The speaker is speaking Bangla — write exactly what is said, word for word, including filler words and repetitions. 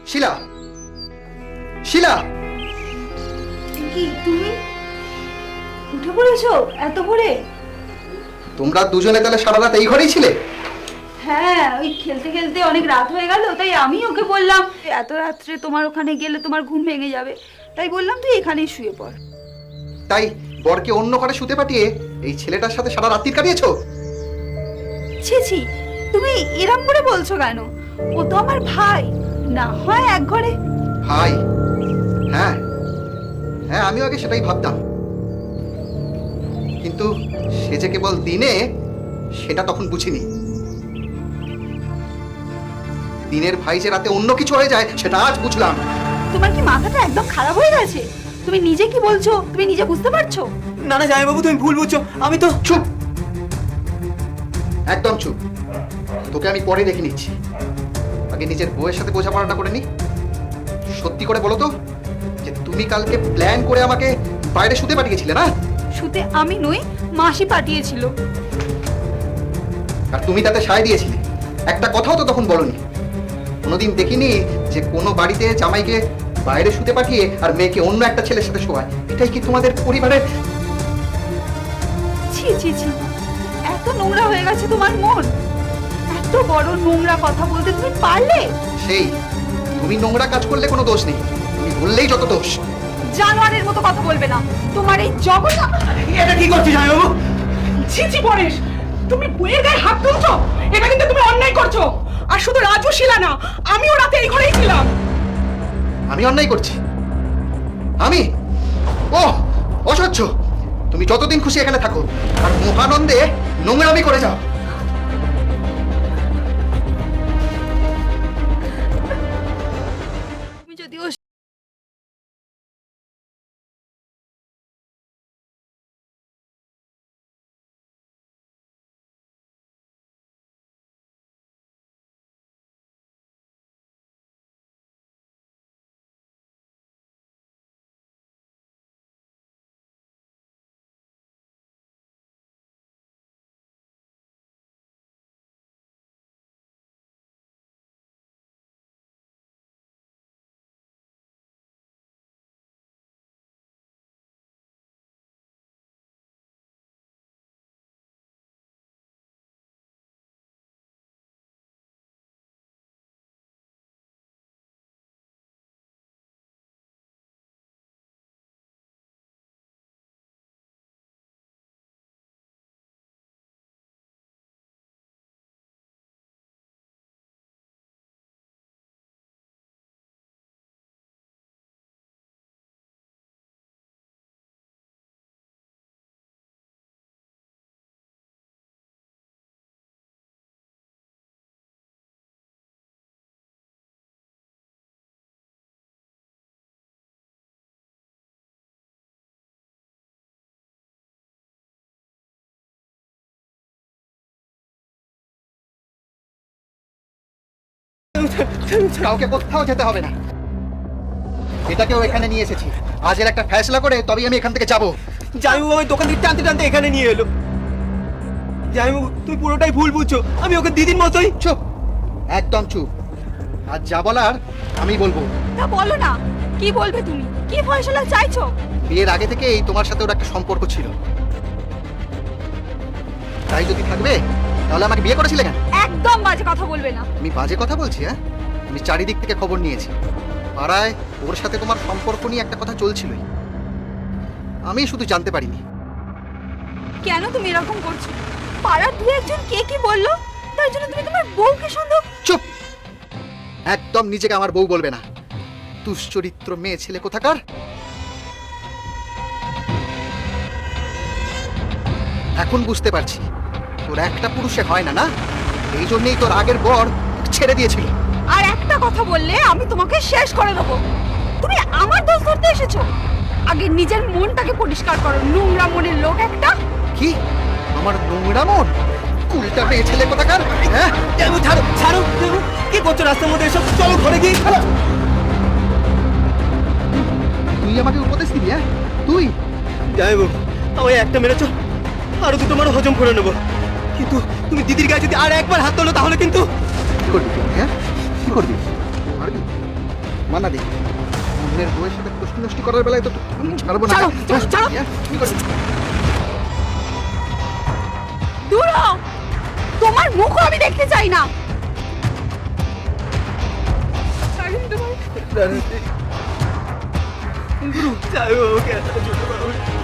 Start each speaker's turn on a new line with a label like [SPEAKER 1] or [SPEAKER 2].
[SPEAKER 1] শিলা, শিলা,
[SPEAKER 2] কি তুমি উঠে পড়েছো এত ভোরে?
[SPEAKER 1] তোমরা দুজনে তাহলে সারা রাত এই ঘরেই ছিলে?
[SPEAKER 2] হ্যাঁ, ওই খেলতে খেলতে অনেক রাত হয়ে গেল, তাই আমি ওকে বললাম এত রাত্রে তোমার ওখানে গেলে তোমার ঘুম ভেঙে যাবে, তাই বললাম তুই এখানেই শুয়ে পড়।
[SPEAKER 1] তাই বরকে অন্য ঘরে শুতে পাঠিয়ে এই ছেলেটার সাথে সারা রাত্রি কাটিয়েছো?
[SPEAKER 2] ছি ছি, তুমি এরম করে বলছো কেন? ও তো আমার ভাই, না হয় এক ঘরে।
[SPEAKER 1] ভাই? হ্যাঁ হ্যাঁ, আমিও আগে সেটাই ভাবতাম, কিন্তু সে যে কেবল দিনে, সেটা তখন বুঝিনি। দিনের ভাই যে রাতে অন্য কিছু হয়ে যায় সেটা আজ বুঝলাম।
[SPEAKER 2] তোমার কি মাথাটা একদম খারাপ হয়ে গেছে? তুমি নিজে কি বলছো তুমি নিজে বুঝতে পারছো?
[SPEAKER 3] না না জামাইবাবু, তুমি ভুল বুঝছো। আমি তো
[SPEAKER 1] চুপ, একদম চুপ। তোকে আমি পরে দেখে নিচ্ছি, আগে নিজের বউয়ের সাথে বোঝাপড়াটা করে নি। সত্যি করে বলো তো, যে তুমি কালকে প্ল্যান করে আমাকে বাইরে শুতে পাঠিয়েছিলে না?
[SPEAKER 2] শুতে আমি নই, মাসি পাঠিয়েছিল।
[SPEAKER 1] আর তুমি তাতে সায় দিয়েছিলে, একটা কথাও তো তখন বলনি। কোনোদিন দেখিনি যে কোনো বাড়িতে জামাইকে বাইরে শুতে পাঠিয়ে আর মেয়েকে অন্য একটা ছেলের সাথে শোয়ায়। এটাই কি তোমাদের পরিবারের?
[SPEAKER 2] ছি ছি ছি, এত নোংরা হয়ে গেছে তোমার মন? এত বড় নোংরা কথা বলতে তুমি পারলে?
[SPEAKER 1] সেই তুমি নোংরা কাজ করলে কোনো দোষ নেই, তুমি বললেই যত দোষ।
[SPEAKER 2] জানোয়ারের মতো কথা বলবে না। তোমার এই জগৎ।
[SPEAKER 3] এটা কি করছিস জামাইবাবু?
[SPEAKER 4] ছি ছি পরেশ, তুমি বইয়ের গায়ে হাত তুলছো, এটা কিন্তু তুমি অন্যায় করছো। আর শুধু রাজু শিলা না, আমিও রাতে এই ঘরেই ছিলাম।
[SPEAKER 1] আমি অন্যায় করছি? আমি? ও অসহ্য! তুমি যতদিন খুশি এখানে থাকো আর মহানন্দে নোংরামি করে যাও।
[SPEAKER 2] তুমি যদি ও
[SPEAKER 1] কাউকে কোথাও যেতে হবে না, এটাকেও এখানে নিয়ে এসেছি। আজের একটা ফয়সলা করে তবেই আমি এখান থেকে যাব।
[SPEAKER 3] জামাইবাবু আমি দোকান থেকে টানতে টানতে এখানে নিয়ে এলো। জামাইবাবু তুমি পুরোটাই ভুল বুঝছো, আমি ওকে দিদির মতোই।
[SPEAKER 1] চুপ, একদম চুপ। আর যা বলার আমি বলবো।
[SPEAKER 2] না বলো না, কি বলবে তুমি? কি ফয়সালা চাইছো?
[SPEAKER 1] বিয়ের আগে থেকেই তোমার সাথে ওর একটা সম্পর্ক ছিল, তাই যদি থাকবে তাহলে আমাকে বিয়ে করেছিলে কেন?
[SPEAKER 2] একদম বাজে কথা বলবে না।
[SPEAKER 1] আমি বাজে কথা বলছি? হ্যাঁ, আমি চারিদিক থেকে খবর নিয়েছি। পাড়ায় ওর সাথে তোমার সম্পর্ক নিয়ে একটা কথা চলছিলই, আমি শুধু জানতে পারিনি।
[SPEAKER 2] কেন তুমি এরকম করছো? পাড়ার দু একজন কে কি বললো তার জন্য তুমি তোমার বউকে সন্দেহ?
[SPEAKER 1] চুপ, একদম নিজেকে আমার বউ বলবে না। দুশ্চরিত্র মেয়ে ছেলে কোথাকার। এখন বুঝতে পারছি তোর একটা পুরুষে হয় না, না এই জন্যই তোর আগের বর ছেড়ে দিয়েছিল।
[SPEAKER 2] আর একটা কথা বললে আমি তোমাকে শেষ করে দেবো। তুমি আমার দোষ ধরতে এসেছো? আগে নিজের মনটাকে পরিষ্কার করো, নোংরা মনের লোক একটা।
[SPEAKER 1] কি আমার নোংরা মন? কুলটা মেয়ে ছেলে কোথাকার। হ্যাঁ,
[SPEAKER 3] জামাইবাবু ছাড়ো ছাড়ো। জামাইবাবু কি করছো রাস্তার মধ্যে এসব? চলো ঘরে গিয়ে।
[SPEAKER 1] তুই আমাকে উপদেশ দিবি? হ্যাঁ তুই?
[SPEAKER 3] জামাইবাবু আমায় একটা মেরেছো, আরো দুটো মারো হজম করে নেবো, কিন্তু তুমি দিদির গায়ে যদি আর একবার হাত তোলো তাহলে কিন্তু।
[SPEAKER 1] কি করবি তুই? হ্যাঁ কি করবি? মারবি? মানা দি অন্যের বউয়ের সাথে কুষ্টি নষ্টি করার বেলায় তো আমি ছাড়বো না
[SPEAKER 4] ছাড়ো, ছাড়ো, ছাড়ো।
[SPEAKER 1] হ্যাঁ, কি করবি?
[SPEAKER 4] দূর হও। তোমার মুখও আমি দেখতে চাই না।
[SPEAKER 3] রানী, গুরু, যাই হোক, একটা ছোট বাবু।